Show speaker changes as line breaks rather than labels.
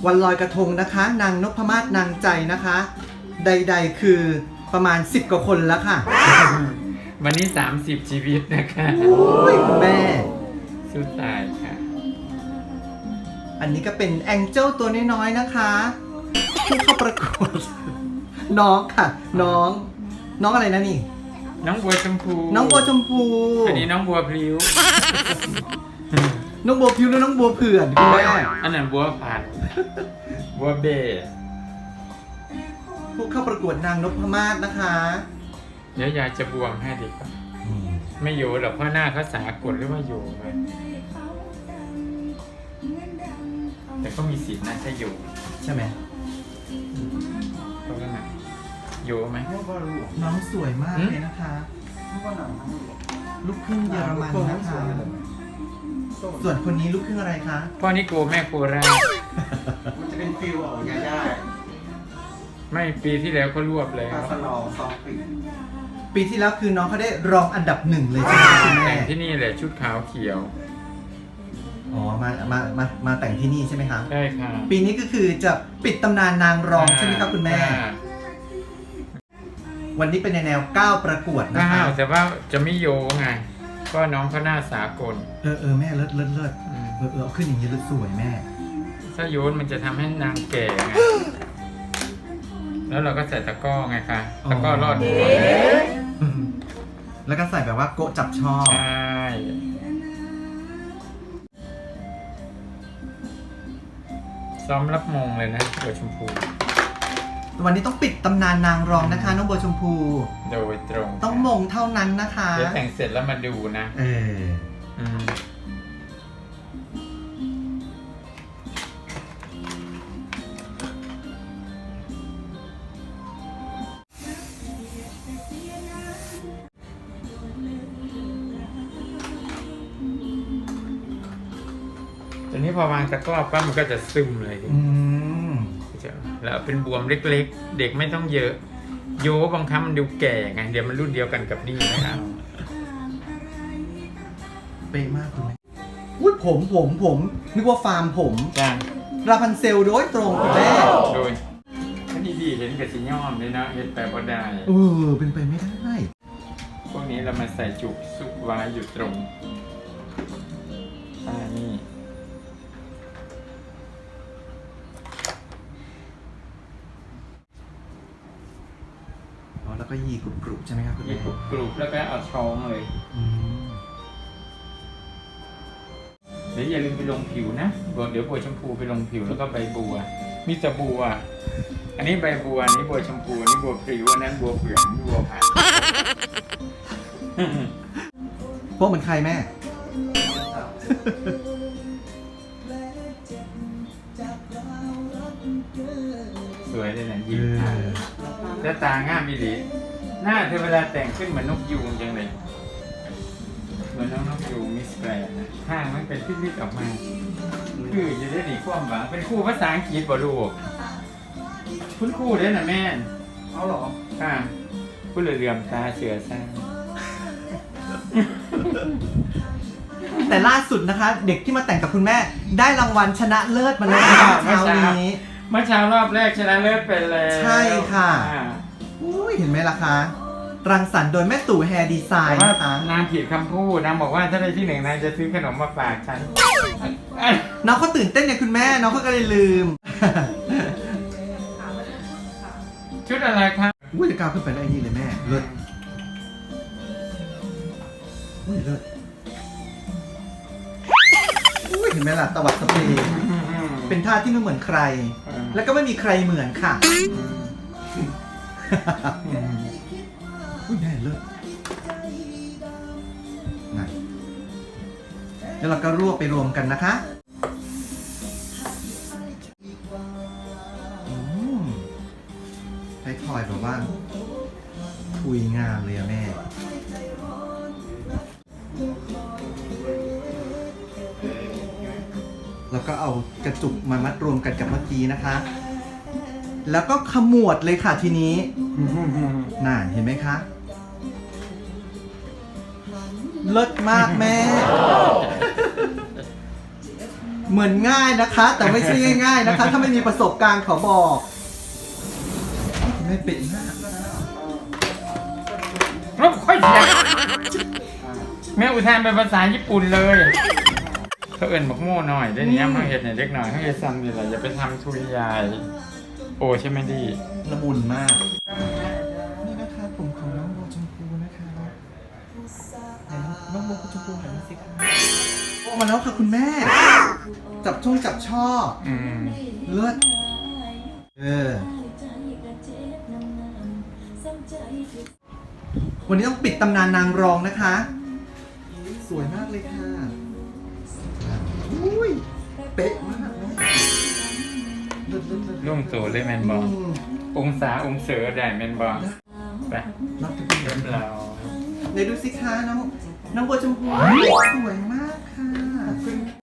วันลอยกระทงนะคะ นางนพมาศนางใจนะคะ ใดๆคือประมาณ10กว่าคนแล้วค่ะ
วันนี้30ชีวิตนะคะ
โอ้ยคุณแม่
สู้ตายค่ะ
อันนี้ก็เป็นแองเจิลตัวน้อยๆนะคะที่เข้าประกวด น้องค่ะ น้องอะไรนะนี่
น้องบัวชมพู
น้องบัวชมพู
อันนี้น้องบัวพลิ้ว
น้องบัวพิวและน้องบัวเผื่อนคุณแม่
อันนั้นบัวผัดบัวเบส
ผู้เข้าประกวดนางนพมาศนะคะ
เดี๋ยวยายจะบวงให้ดีกว่าไม่โยหรอกเพราะหน้าเขาสากลหรือว่าโยเลยแต่ก็มีสิทธิ์นะถ้าโย
ใช่ไหม
เพราะว่าไงโยไหม
น้องสวยมากเลยนะคะ ลูกครึ่งเยอรมันนะคะ ส่วนคนนี้ลูกครึ่งอะไรคะ
พ่อนี่โกแม่โคราช
มันจะเป็นฟิลของยาย่า
ไม่ปีที่แล้วเขารวบแล้ว
ปลาสลองซองปี
ปีที่แล้วคือน้องเขาได้รองอันดับ1เลยใช่ไหมคะคุณแม่
แต่งที่นี่แหละชุดขาวเขียว
อ๋อมาแต่งที่นี่ใช่ไหมคะ
ใช่ค่ะ
ปีนี้ก็คือจะปิดตำนานนางรองใช่ไหมครับคุณแม่ วันนี้เป็นในแนวก้าวประกวดนะ
ก้า
คะ
วแต่ว่าจะไม่โยไงก็น้องเขาหน้าสากล
แม่เลิศเอาขึ้นอย่างนี้เลิศสวยแม่
ถ้าโยนมันจะทำให้นางแก่ไง แล้วเราก็ใส่ตะกร้อไงคะ ตะกร้อรอดหัว
แล้วก็ใส่แบบว่าโกะจับช่อ
ใช่ซ้อมรับมงเลยนะบัวชมพู
วันนี้ต้องปิดตำนานนางรองนะคะ น้องบัวชมพู
โดยตรง
ต้องมงเท่านั้นนะคะ
เดี๋ยวแต่งเสร็จแล้วมาดูนะ อืม ตอนนี้พอวางตะกร้อปั๊บมันก็จะซึมเลยที
อืม
แล้วเป็นบวมเล็กๆ เด็กไม่ต้องเยอะ โยบางครั้งมันดูแก่ไง เดี๋ยวมันรุ่นเดียวกันกับนี่นะครับ
เป๊ะมากคุณแม่อุ้ยผมนึกว่าฟาร์มผม
จ้า
ราพันเซลโดยตรงคุณแม่
โดยถ้าดีๆเห็นกับสีย่อมเลยนะเห็นแปลว่าได้
เป็นไปไม่ได้
พวกนี้เรามาใส่จุกซุกไว้อยู่ตรงนี่
แล้วก็ยีกรุบๆใช่ไหมครับคุณ
มี
แม่
กรุบแล้วก็เอาช้องเลย เดี๋ยวอย่าลืมไปลงผิวนะเดี๋ยวบัวชมพูไปลงผิวแล้วก็ใบบัว มีแต่บัว อันนี้ใบบัวอันนี้บัวชมพูอันนี้บัวพริ้วอันนั้นบัวเผือกอันนี้บัวผัด
พวกเหมือนใครแม่
สวยเลยนะยิ้มแล้วตางามอีหลีหน้าเธอเวลาแต่งขึ้นเหมือนนกยูงจังเลยเหมือนน้องนกยูงมิสแกรนนะข้างมันเป็นพิษๆออกมาคือจะได้หนีความหวังเป็นครูภาษาอังกฤษบ่ลูกคุณครูได้น่ะแม่
เอาเหรอ
ค่ะผู้เหลื่อมตาเสือซ่า
แต่ล่าสุดนะคะ เด็กที่มาแต่งกับคุณแม่ ได้รางวัลชนะเลิศมาแล้วนะคะเช้านี้
เมื่อเช้ารอบแรกชนะเลิศไปแล้ว
ใช่ค่ะ อุ้ยเห็นไหมล่ะคะ รังสรรค์โดยแม่ตู่แฮร์ดีไซ
แต่
น์
ว่า
นะคะ
นางผิดคำพูดนางบอกว่าถ้าได้ที่หนึ่งนางจะซื้อขนมมาฝากฉัน
น้องเขาตื่นเต้นเนี่ยคุณแม่ น้องเขาก็เลยลืม
ชุดอะไรครับ
อุ้ยจะก้าวขึ้นไปได้นี่เลยแม่ เลิศอุ้ยเลิศอุ้ยเห็นไหมล่ะตวัดสเปรย์เป็นท่าที่ไม่เหมือนใคร แล้วก็ไม่มีใครเหมือนค่ะ อุ้ยแม่เลิศนั่นแล้วเราก็รวบไปรวมกันนะคะให้ทอยแบบว่าทุยงามเลยอะแม่ แล้วก็เอากระจุกมามัดรวมกันกับเมื่อกี้นะคะ แล้วก็ขมวดเลยค่ะทีนี้น่าเห็นไหมคะ เลิศมากแม่เหมือนง่ายนะคะ แต่ไม่ใช่ง่ายๆนะคะ ถ้าไม่มีประสบการณ์ขอบอกไม่เป็นมาก
รบค่อยเสียงแม่อุทานเป็นภาษาญี่ปุ่นเลยเขาเอิญบอกโม่หน่อยได้เนี้ยมาเห็ดเนี่ยเล็กหน่อยเขาจะซ้ำดีไรอย่าไปทำทุยยายโอ้ใช่ไหมดี
ละมุนมาก นี่นะคะผมของน้องโบชมพูนะคะไหนน้องโบชมพูหันมาสิคะโอ้มาแล้วค่ะคุณแม่ จับช่อ
อืม
เลือดวันนี้ต้องปิดตำนานนางรองนะคะ สวยมากเลยค่ะอุ้ยเป๊ะมากเลิศ
ร่วมโตเลยแมนบอองศาองเสือได้แมนบอไป
รับจะเป็น
เริ่มเรา
ไหนดูสิคะน้องโบชมพูสวยมากค่ะ